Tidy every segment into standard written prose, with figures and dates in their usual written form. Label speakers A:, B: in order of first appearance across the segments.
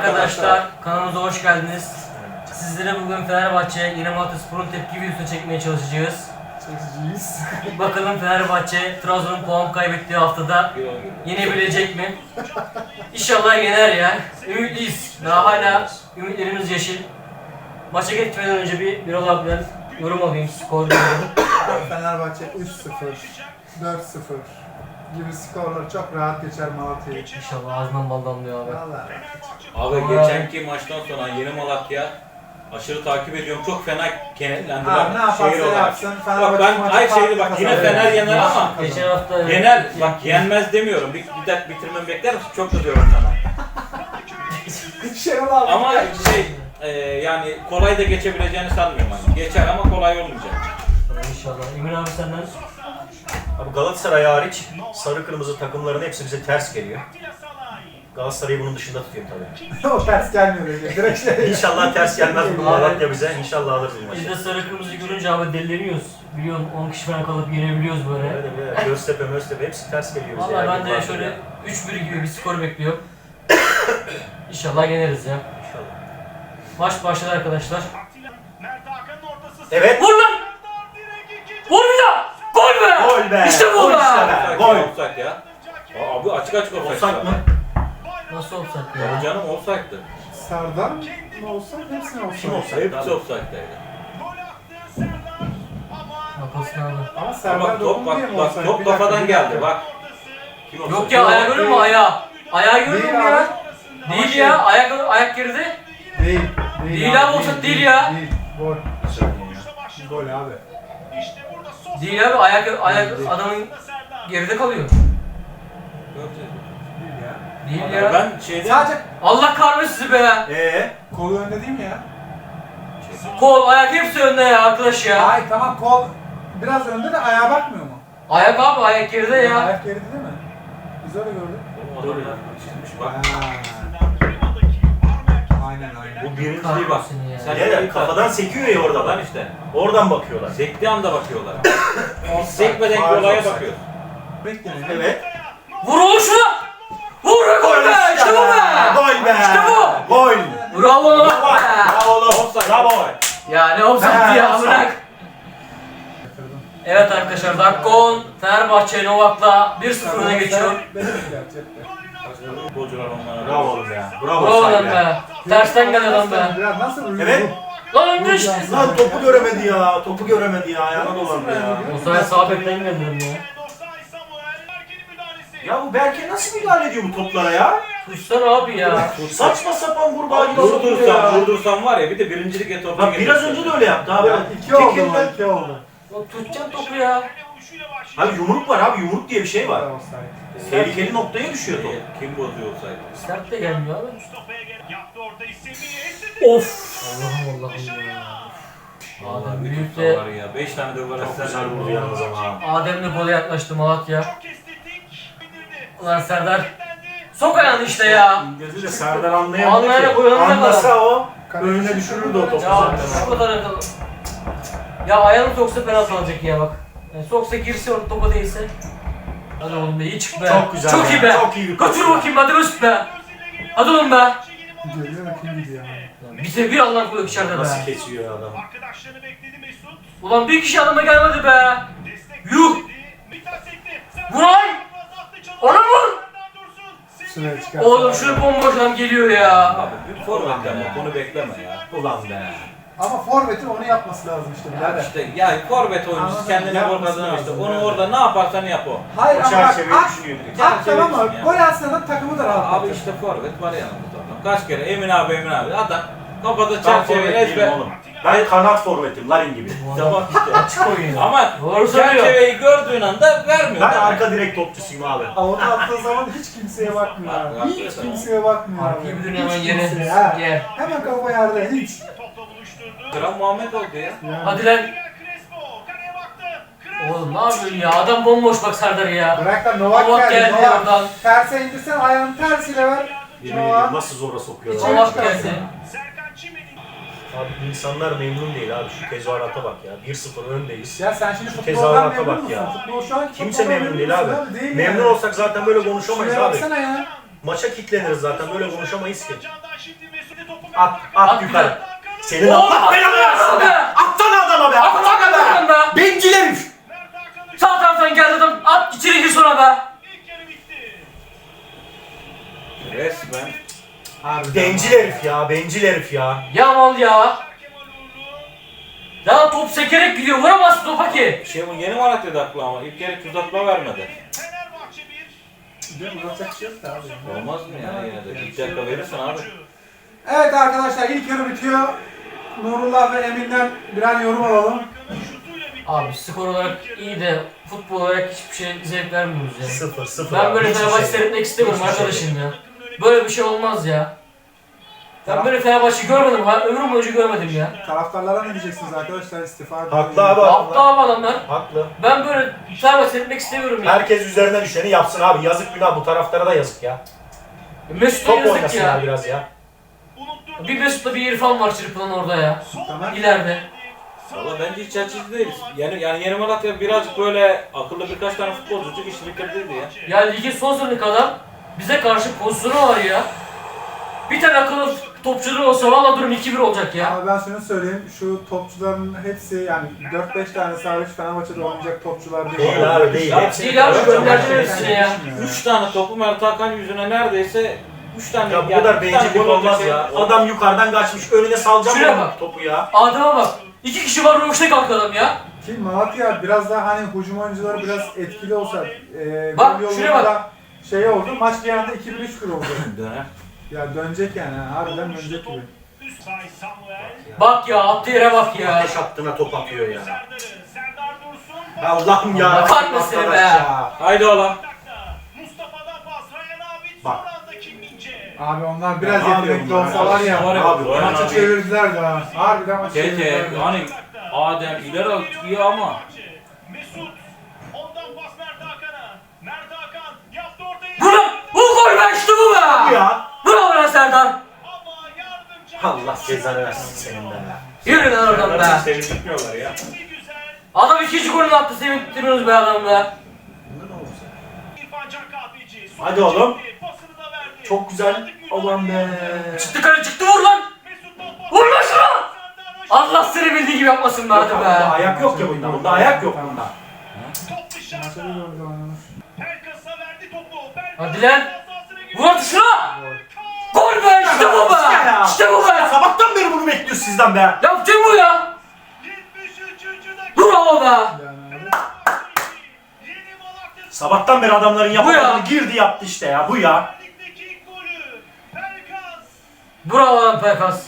A: arkadaşlar, kanalımıza hoş geldiniz. Sizlere bugün Fenerbahçe Yeni Malatyaspor'un tepki videosunu çekmeye çalışacağız. Bakalım Fenerbahçe Trabzon'un puan kaybettiği haftada yenebilecek mi? İnşallah yener ya. Ümitliyiz. Daha hala ümitlerimiz yeşil. Maça gitmeden önce bir Birol abiden yorum alayım, skor yorum.
B: Fenerbahçe 3-0, 4-0 gibi skorlar çok rahat geçer Malatya'yı.
A: İnşallah ağzından bal damlıyor abi.
B: Vallahi.
C: Abi geçenki maçtan sonra Yeni Malatya aşırı takip ediyorum. Çok fena kenetlendiler.
B: Abi ne yaparsa
C: şehir olarak.
B: yapsın,
C: Bak
B: Fenerbahçe
C: ben
B: maçı
C: ay şeydi
B: farklı
C: bak yine
B: kazanır.
C: Fener yener ama
A: Geçen hafta
C: yener bak yenmez demiyorum. Bir dakika bitirmemi bekler misin? Çok kızıyorum sana.
B: Şenol abi.
C: Ama yani kolay da geçebileceğini sanmıyorum hani. Geçer ama kolay olmayacak.
A: İnşallah. Emin abi senden.
D: Abi Galatasaray hariç sarı kırmızı takımların hepsi bize ters geliyor. Galatasaray'ı bunun dışında tutuyorum tabii.
B: O ters gelmiyor öyle. Direkt şey.
D: İnşallah ters gelmez bu Malatya bize. İnşallah alırız bu
A: Biz de
D: maçı.
A: sarı kırmızı görünce abi deliriyoruz. Biliyorsun 10 kişi falan kalıp yenebiliyoruz böyle.
D: Evet. Göztepe hepsi ters geliyor bize.
A: Valla
D: ya.
A: ben de şöyle 3-1 gibi bir skor bekliyorum. İnşallah yeneriz ya.
D: İnşallah.
A: Maç başladı arkadaşlar.
D: Evet.
A: Vur lan! Vur ya! Gol be!
D: Gol be!
A: İşte bu
D: Gol
A: be!
D: işte be! Gol!
C: Offside ya. Abi açık offside.
D: Offside mı?
A: Nasıl offside
C: Ya
A: ya?
C: canım offside'dı.
B: Serdar mı olsa hepsine olsa.
D: Kim offside?
C: Hepsi offside'daydı.
A: Haklısın abi.
B: Ama
C: Bak
B: Serdar
C: top
B: dokundu diye mi
C: bak
B: olsa?
C: top kafadan geldi bak. Kim offside?
A: Yok ya ayağı görüyor musun ayağı? Ayağı görüyor
B: Değil
A: musun
B: abi.
A: ya? Değil ya ayak geride.
B: Değil.
A: Değil abi, offside değil ya.
B: Değil. Gol. Gol abi.
A: Değil abi ayak adamın geride kalıyor.
C: Yok
B: Değil ya.
A: Değil ya.
C: ben şeyde
B: Sadece
A: Allah kahretsin sizi be.
B: kolu önde değil mi ya?
A: Kol, ayak hepsi önde ya arkadaş ya.
B: Ay tamam kol biraz önde de ayağa bakmıyor mu?
A: Ayak abi ayak geride ya.
B: Ayak geride değil mi? Biz öyle gördük.
C: Doğru ya. Çizmiş bak.
B: Aynen.
D: Bu birinciliği bak.
A: Kahretsin ya.
C: Sen-
D: Evet, kafadan sekiyor ya orada
C: Lan
D: bak.
C: işte.
D: Oradan bakıyorlar.
C: Sektiği anda bakıyorlar.
B: Offside.
C: Sekmeden
D: Faul
C: olaya
D: offside.
C: bakıyoruz.
B: Bekleyin.
D: Evet.
A: Vur oğlum şuna. Vur be gol be. İşte bu be.
D: Gol be!
A: İşte bu.
D: Gol!
A: Bravo lan.
D: Bravo oğlum!
C: Offside.
D: Bravo!
A: Ya ne offside ya bırak. Evet arkadaşlar dakika 10. Fenerbahçe Novak'la 1-0 öne geçiyor.
B: Benim gerçekten.
C: Futbolcular onlara.
D: Bravo oğlum ya. Bravo
A: Bravo lan
D: Sahi
A: be. Tersten geldi lan be.
B: Biraz nasıl uyudu?
D: Evet.
A: Lan önce işte.
D: Lan topu göremedi ya. Topu göremedi ya. Ayağına dolandı ya.
A: O sayede sağ bekten geldim ya.
D: Ya bu Berke nasıl müdahale ediyor bu toplara ya?
A: Tutsana abi ya.
D: Saçma sapan kurbağa gibi sokuyor ya.
C: Vurdursam var ya bir de birincilik etorunu
D: Bak biraz önce de öyle yaptı abi.
B: Ya, iki oldu
D: Tekirden-
B: mu? 2 oldu.
A: Lan tutacaksın topu ya.
D: Abi yumruk var abi. Yumruk diye bir şey var.
B: Offside.
D: Tehlikeli noktaya düşüyor top.
C: Kim bozuyor olsaydı?
A: Sert de gelmiyor abi. Of. Allah'ım Allah'ım ya. Adem büyük de
C: Var ya 5 tane de gol
D: Çok
C: atsa
D: güzel vurdu yalnız ama.
A: Adem'le gole yaklaştı Malatya. Ulan Serdar. Sok ayağını işte ya.
D: Gözü de Serdar anlayamadı
A: Anlayana
D: ki.
A: koyalım da
D: Anlasa o
B: Kaleci
D: önüne düşürürdü o topu
A: Ya
D: zaten.
A: şu kadar akıllı. Ya ayağını soksa penaltı alacak ya bak. Yani soksa girse orada topa değilse. Hadi oğlum be iyi çık be.
D: Çok güzel
A: Çok
D: ya,
A: iyi be.
D: çok iyi bir
A: Götür
D: pas.
A: bakayım hadi üst be. Hadi oğlum be.
B: Gidiyor değil mi? Kim gidiyor?
A: Bize bir Allah koyuyor içeride be.
D: Nasıl kesiyor ya adam?
A: Ulan bir kişi adama gelmedi be. Yuh. Vuray. Ona vur.
B: Şuraya çıkar.
A: Oğlum şunu bomboş adam geliyor ya.
C: Abi bir forvet ama bunu bekleme ya.
D: Ulan be.
B: Ama forvetin onu yapması lazım işte
C: Ya
B: birader.
C: işte ya forvet oyuncusu
B: Anladım,
C: kendine gol
B: yapması
C: kazanıyor işte.
B: lazım
C: Onu
B: yani.
C: orada ne yaparsan yap o.
B: Hayır
D: O
B: ama bak
D: çerçeveyi
B: at,
D: düşünüyor direkt.
B: at tamam mı?
C: Çerçeve
B: Gol atsa da takımı da rahat.
C: Abi işte forvet var yanımızda adam. Kaç kere Emin abi adam kafada
D: Ben
C: çerçeveyi
D: forvet değilim
C: ezber.
D: oğlum. Ben kanat forvetim Larin gibi.
C: Tamam işte.
A: Açık oyun.
C: Ama
A: Doğru söylüyor.
C: çerçeveyi gördüğün anda vermiyor.
D: Ben
C: değil mi?
D: arka direkt topçusuyum abi.
B: Ama onu attığı zaman hiç kimseye bakmıyor abi.
C: Bak,
B: Hiç
C: bak,
B: kimseye bakmıyor abi.
A: Arkayı bir dön
B: Hiç
A: hemen yere.
B: kimseye, ha.
A: Gel.
B: Hemen kafa yerde hiç.
C: Kral Muhammed oldu ya.
B: Yani.
A: Hadi lan. Oğlum ne yapıyorsun ya? Adam bomboş bak Serdar ya.
B: Bırak da Novak
A: Novak
B: geldi.
A: geldi
B: Novak.
A: oradan.
B: Terse indirsen ayağını tersiyle ver.
D: Yemin ediyorum
B: Novak.
D: nasıl zora sokuyor.
B: İçeri
A: Novak
B: çıkarsın.
A: geldi.
D: Abi insanlar memnun değil abi şu tezahürata bak ya. 1-0 öndeyiz.
B: Ya sen şimdi
D: Şu
B: futboldan
D: tezahürata
B: memnun
D: bak
B: musun?
D: ya.
B: Futbol şu an
D: Kimse memnun değil abi. Memnun olsak zaten böyle konuşamayız
B: Şuraya
D: abi.
B: baksana ya.
D: Maça kilitleniriz zaten, böyle konuşamayız ki.
E: At
D: At yukarı. Senin
A: Oğlum,
D: Allah belanı versin be! Atsana adama be! Atsana be! Bencil herif!
A: Sağ taraftan geldi adam. At içeri gir sonra be.
C: Resmen.
D: Bencil herif ya, bencil herif ya.
A: Ya mal ya. Ya top sekerek gidiyor. Vuramazsın topa ki.
C: Bu yeni Malatya'da aklı ama ilk kere tuzakla vermedi.
B: Değil mi? Yapacak bir şey yok da abi.
C: Olmaz mı ya yine de? İlk dakika verirsin abi.
B: Evet arkadaşlar ilk yarı bitiyor. Nurullah ve Emin'den birer yorum alalım.
A: Abi skor olarak iyi de futbol olarak hiçbir şey zevk vermiyoruz ya.
D: 0-0.
A: Ben böyle
D: Hiçbir
A: Fenerbahçe
D: şey.
A: seyretmek istemiyorum
D: Hiçbir şey
A: arkadaşım ya. Böyle bir şey olmaz ya. Ben böyle Fenerbahçe görmedim. Ömrüm boyunca görmedim ya.
B: Taraftarlara ne diyeceksiniz arkadaşlar istifa ediyor.
D: Haklı abi.
A: Aptal abi adamlar.
D: Haklı.
A: Ben böyle Fenerbahçe seyretmek istemiyorum ya.
D: Herkes üzerine düşeni yapsın abi. Yazık günah, bu taraftara da yazık ya.
A: Mesut'a
D: Top
A: yazık
D: oynasınlar
A: ya.
D: biraz ya.
A: Bir Mesut'la bir İrfan var çırpılan orada ya.
B: Tamam.
A: İleride.
C: Valla bence hiç açıcı değiliz. Yani yeni Malatya birazcık böyle akıllı birkaç tane futbolcu çok işi bitirdiydi ya.
A: Ya ligin son sınıfı adam bize karşı pozisyonu var ya. Bir tane akıllı topçuları olsa valla durum 2-1 olacak ya.
B: Ama ben şunu söyleyeyim, şu topçuların hepsi yani 4-5 tane hariç Fenerbahçe'de oynayacak topçular değil.
D: Değil abi, değil.
C: Ya,
D: Hepsi-
A: değil abi, gönderdiler
D: Hepsi-
A: hepsini ya.
C: 3 tane topu Mert Hakan yüzüne neredeyse 3 tane
D: Ya bu
C: yani
D: kadar
C: bir tane
D: bencillik
C: gol olacak
D: olmaz
C: şey-
D: ya. Adam yukarıdan kaçmış, önüne salacağım
A: Şuraya
D: ben
A: bak.
D: topu ya.
A: Adama bak. 2 kişi var röveşte kalktı adam ya.
B: Ki Malatya biraz daha hani hücum oyuncuları biraz etkili olsa
A: Bak,
B: gol
A: şuraya
B: yolunda
A: bak.
B: şey oldu, maç bir anda 2-1-3-1 oldu.
C: Döner.
B: Ya dönecek yani, harbiden dönecek gibi.
A: Bak ya attığı yere bak ya.
D: Ateş hattına top atıyor ya. Allah'ım ya.
A: Allah kahretsin
D: arkadaş
A: be.
D: ya.
C: Haydi ola.
D: Bak.
B: Abi onlar biraz
D: Ya abi
B: yetenekli
D: onlar
B: olsalar ya,
C: var ya,
D: abi,
C: var ya.
B: maçı çevirdiler daha. Harbiden maçı
C: Tete
B: çevirdiler.
C: hani Adem ileri atıyor ama
E: Mesut ondan pas Mert Hakan'a. Mert Hakan yaptı ortayı.
A: Bu gol be işte bu
D: Bu
A: be.
D: ya.
A: Bravo lan Serdar.
E: Ama yardımcı.
D: Allah cezanı versin senin de ya.
A: Yürü lan oradan be.
C: Hiç sevindirmiyorlar ya.
E: Güzel.
A: Adam ikinci golünü attı sevindirmiyoruz be adam be.
E: İrfan Can Kahveci.
D: Hadi oğlum.
E: Pasını da verdi.
D: Çok güzel. Aman be.
A: Çıktı kale çıktı vur lan.
E: Mesut'tan pas.
A: Vur lan şunu. Allah seni bildiği gibi yapmasın be hadi
D: Bunda
A: be.
D: ayak yok ya bunda. Bunda ayak yok bunda.
E: Top
B: Maçta
E: dışarıda.
B: bir gol oynamış.
E: Pelkas'a verdi topu.
A: Hadi lan. Vur hadi şuna. Gol be işte bu be.
D: Ya.
A: İşte bu be.
D: Sabahtan beri bunu bekliyoruz sizden be.
A: Yapacak bu ya.
E: 73. dakika.
A: Bravo be.
B: Yani abi.
E: Yeni Malatya
D: Sabahtan beri adamların
A: ya.
D: yapamadığını girdi yaptı işte ya. Bu ya.
E: Ligdeki ilk golü. Pelkas.
A: Bravo lan Pekas.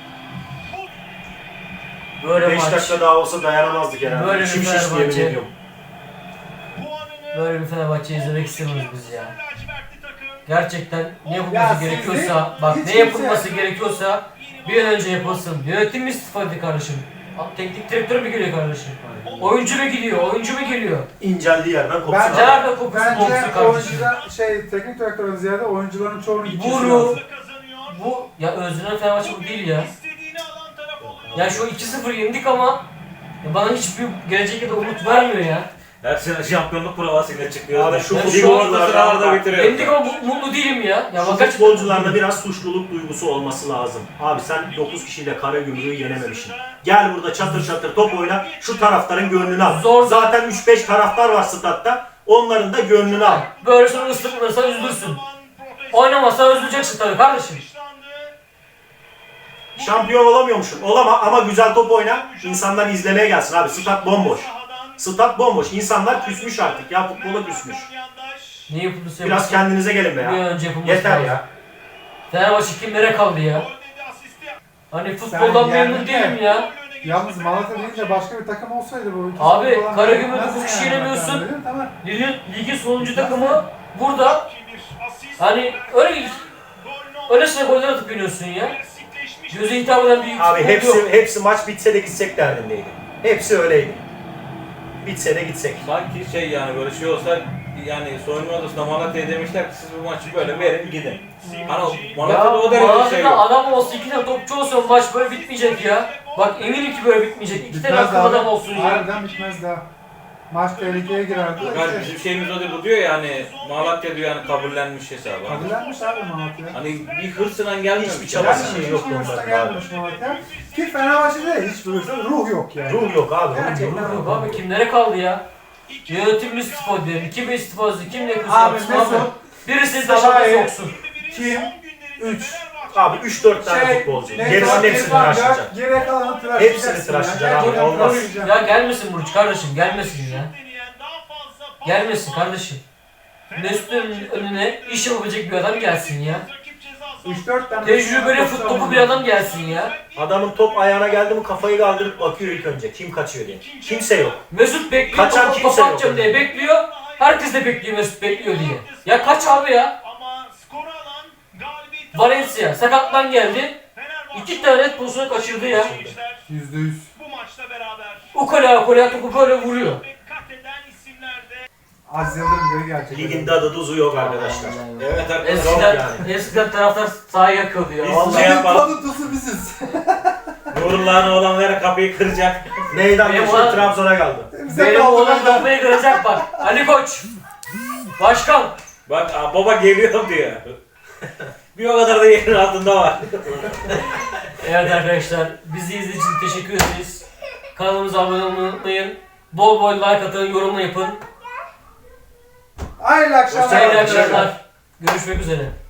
A: Böyle
D: 5
A: maç.
D: dakika daha olsa dayanamazdık herhalde.
A: Böyle bir
D: İçim şişti yemin
A: Fenerbahçe.
D: ediyorum.
E: Puanını
A: Böyle bir Fenerbahçe izlemek istemiyoruz biz ya.
E: lacivertli takım.
A: Gerçekten ne
B: Ya
A: yapılması
B: siz
A: gerekiyorsa,
B: de-
A: bak
B: hiç
A: ne
B: kimse-
A: yapılması gerekiyorsa bir an önce yapılsın. Yönetim istifa etti kardeşim. Teknik direktör mü geliyor kardeşim? Oyuncu mu geliyor? Oyuncu mu geliyor?
D: İnceldiği yerden kopsun.
B: Bence-
D: abi.
A: Nerede kokusu
B: Bence
A: kokusu kardeşim?
B: oyuncular teknik direktörün ziyade oyuncuların çoğunun gitmesi
A: Buru.
B: lazım.
E: Kazanıyor.
A: Bu ya özlenen Fenerbahçe bu değil ya.
E: İstediğini alan taraf oluyor.
A: Ya şu 2-0 yendik ama ya bana hiçbir gelecekte de umut vermiyor ya.
C: Her sene şampiyonluk provasıyla çıkıyoruz.
D: Abi
C: da.
D: şu
A: Ben
C: Lig
A: şu
C: ortasını arada bitiriyoruz.
A: Yendik ama mutlu değilim ya. Ya
D: Şu
A: bak
D: futbolcularda biraz suçluluk duygusu olması lazım. Abi sen 9 kişiyle Karagümrük'ü yenememişsin. Gel burada çatır çatır top oyna, şu taraftarın gönlünü al.
A: Zor.
D: Zaten 3-5 taraftar var statta, onların da gönlünü al.
A: böyle sonra ıslıklanırsa üzülürsün. Oynamazsa üzüleceksin tabii kardeşim.
D: Şampiyon olamıyormuşsun. Olama ama güzel top oyna, insanlar izlemeye gelsin abi. Stat bomboş. Stat bomboş. İnsanlar küsmüş artık ya, futbola küsmüş.
A: Ne yapılırsa
D: Biraz kendinize gelin be
A: bir an
D: ya.
A: önce yapılması
D: Yeter
A: lazım.
D: ya.
A: Fenerbahçe kimlere kaldı ya? Hani futboldan
B: Sen
A: memnun
B: yani-
A: değilim ya.
B: Yalnız Malatya deyince başka bir takım olsaydı bu. ikisi
A: Abi,
B: falan
A: Karagümrük'ü
B: yenmezdi
A: dokuz kişi
B: yani.
A: yenemiyorsun.
B: Değil mi? Tamam.
A: Ligin sonuncu takımı burada. Hani öylesine goller atıp yeniyorsun ya. Göze hitap eden bir
D: Abi
A: futbol yok.
D: hepsi maç bitse de gitsek derdindeydi. Hepsi öyleydi. Bitse de gitsek.
C: Sanki şey yani böyle şey olsa yani soyunma odasında Malatya'ya demişler ki siz bu maçı böyle verin gidin. Hani
A: Ya
C: Malatya'da o derece şey
A: Malatya'da
C: yok.
A: adam olsa, 2 tane topçu olsa maç böyle bitmeyecek ya. Bak eminim ki böyle bitmeyecek. 2 tane
B: Bitmez
A: akıllı
B: daha.
A: adam olsun ya.
B: Harbiden bitmez daha. Maç tehlikeye girerdi.
C: Yani bizim şeyimiz o değil, bu diyor ya hani Malatya diyor yani kabullenmiş hesabı.
B: Kabullenmiş abi Malatya.
C: Hani bir hırsından gelmiyor.
D: Hiçbir çabası şey yok
B: hiç hırsta
D: onların
B: gelmemiş Malatya. Ki Fenerbahçe'de hiç hırsta ruh yok yani.
D: Ruh yok abi.
B: Gerçekten
A: Yok abi kimlere kaldı ya? Yönetim istifa diyor. Kim istifası, kim ne
B: Abi
A: yapsın
B: Mesut,
A: abi? Birisi taşa
B: Salah'ı-
A: soksun.
B: Kim? 3.
D: Abi 3-4 tane futbolcu. Gerisinin hepsini tıraşlayacak.
B: Geriye kalanı tıraşlayacaksın.
D: Hepsini tıraşlayacaksın
B: ya.
D: abi,
B: Gerçekten
D: olmaz.
B: tıraşlayacaksın.
A: Ya gelmesin Burç kardeşim, gelmesin ya. Gelmesin kardeşim. Mesut'un önüne iş yapabilecek bir adam gelsin ya.
B: 3-4 tane.
A: Tecrübeli futbolu bir adam gelsin ya.
D: Adamın top ayağına geldi mi kafayı kaldırıp bakıyor ilk önce. Kim kaçıyor diye. Kimse yok.
A: Mesut bekliyor,
D: Kaçan
A: topu
D: kimse yok
A: atacağım diye
D: önünde.
A: bekliyor. Herkes de bekliyor Mesut bekliyor diye. Ya kaç abi ya?
E: Ama skoru alan galibiyeti
A: Valencia sakatlan geldi.
E: Fenerbahçe
A: 2 tane pozisyonu kaçırdı ya.
B: %100.
E: bu maçta beraber
A: Ukala topu böyle vuruyor.
E: dikkat eden isimlerde
B: Aziz Yıldırım geri gelecek.
D: Ligin tadı tuzu yok arkadaşlar.
C: Evet arkadaşlar.
A: Eskiden taraftar sahaya yakıyordu ya.
C: Biz-
A: Vallahi.
C: Ne yapalım?
B: Tadı tuzu biziz.
C: Nurullah'ın oğlanları kapıyı kıracak.
D: Neyden
A: Benim
D: geçti?
A: olan-
D: Trabzon'a kaldı.
B: Bize
A: Benim
B: kaldı
A: oğlan
B: beyler.
A: kafayı kıracak bak. Ali Koç. Başkan.
C: Bak baba geliyor diyor. Bir o kadar da yerin altında var.
A: Evet arkadaşlar bizi izlediğiniz için teşekkür ederiz. Kanalımıza abone olmayı unutmayın. Bol bol like atın, yorum yapın.
B: Hayırlı akşamlar.
A: Hayırlı akşamlar. Görüşmek üzere.